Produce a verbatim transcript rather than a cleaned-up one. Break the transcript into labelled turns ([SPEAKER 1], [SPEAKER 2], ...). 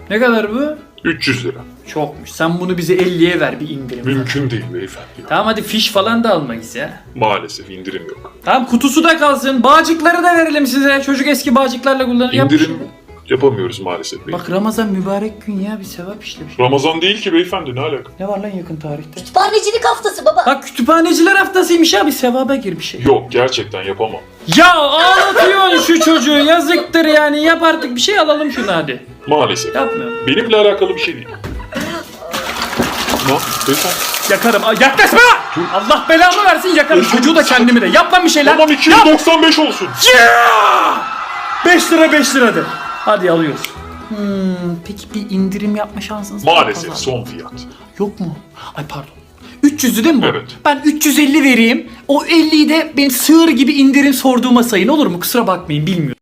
[SPEAKER 1] Ne kadar bu?
[SPEAKER 2] üç yüz lira.
[SPEAKER 1] Çokmuş. Sen bunu bize elliye ver bir indirim.
[SPEAKER 2] Mümkün değil beyefendi.
[SPEAKER 1] Tamam hadi fiş falan da almayız ya.
[SPEAKER 2] Maalesef indirim yok.
[SPEAKER 1] Tamam kutusu da kalsın. Bağcıkları da verelim size. Çocuk eski bağcıklarla kullanır. Yap bir
[SPEAKER 2] İndirim
[SPEAKER 1] şey.
[SPEAKER 2] yapamıyoruz maalesef beyefendi.
[SPEAKER 1] Bak Ramazan mübarek gün ya, bir sevap işlemiş.
[SPEAKER 2] Ramazan değil ki beyefendi, ne alaka?
[SPEAKER 1] Ne var lan yakın tarihte?
[SPEAKER 3] Kütüphanecilik haftası baba.
[SPEAKER 1] Bak kütüphaneciler haftasıymış ya, bir sevaba gir bir şey.
[SPEAKER 2] Yok, gerçekten yapamam.
[SPEAKER 1] Ya ağlatıyorsun şu çocuğu, yazıktır yani, yap artık bir şey, alalım şunu hadi.
[SPEAKER 2] Maalesef.
[SPEAKER 1] Yapmıyorum.
[SPEAKER 2] Benimle alakalı bir şey değil. Ne? Beyefendi.
[SPEAKER 1] Yakarım. Aa, yaklaşma! Allah belamı versin, yakarım.
[SPEAKER 2] Özür
[SPEAKER 1] Çocuğu da kendimi de. Yap lan bir şeyler.
[SPEAKER 2] Tamam iki yüz doksan beş olsun.
[SPEAKER 1] beş lira beş liradır. Hadi alıyoruz. Hmm, peki bir indirim yapma şansınız var mı
[SPEAKER 2] Maalesef
[SPEAKER 1] pazarda?
[SPEAKER 2] son fiyat.
[SPEAKER 1] Yok mu? Ay pardon. üç yüzlü değil mi bu?
[SPEAKER 2] Evet.
[SPEAKER 1] Ben üç yüz elli vereyim. O elliyi de benim sığır gibi indirim sorduğuma sayın, olur mu? Kusura bakmayın, bilmiyorum.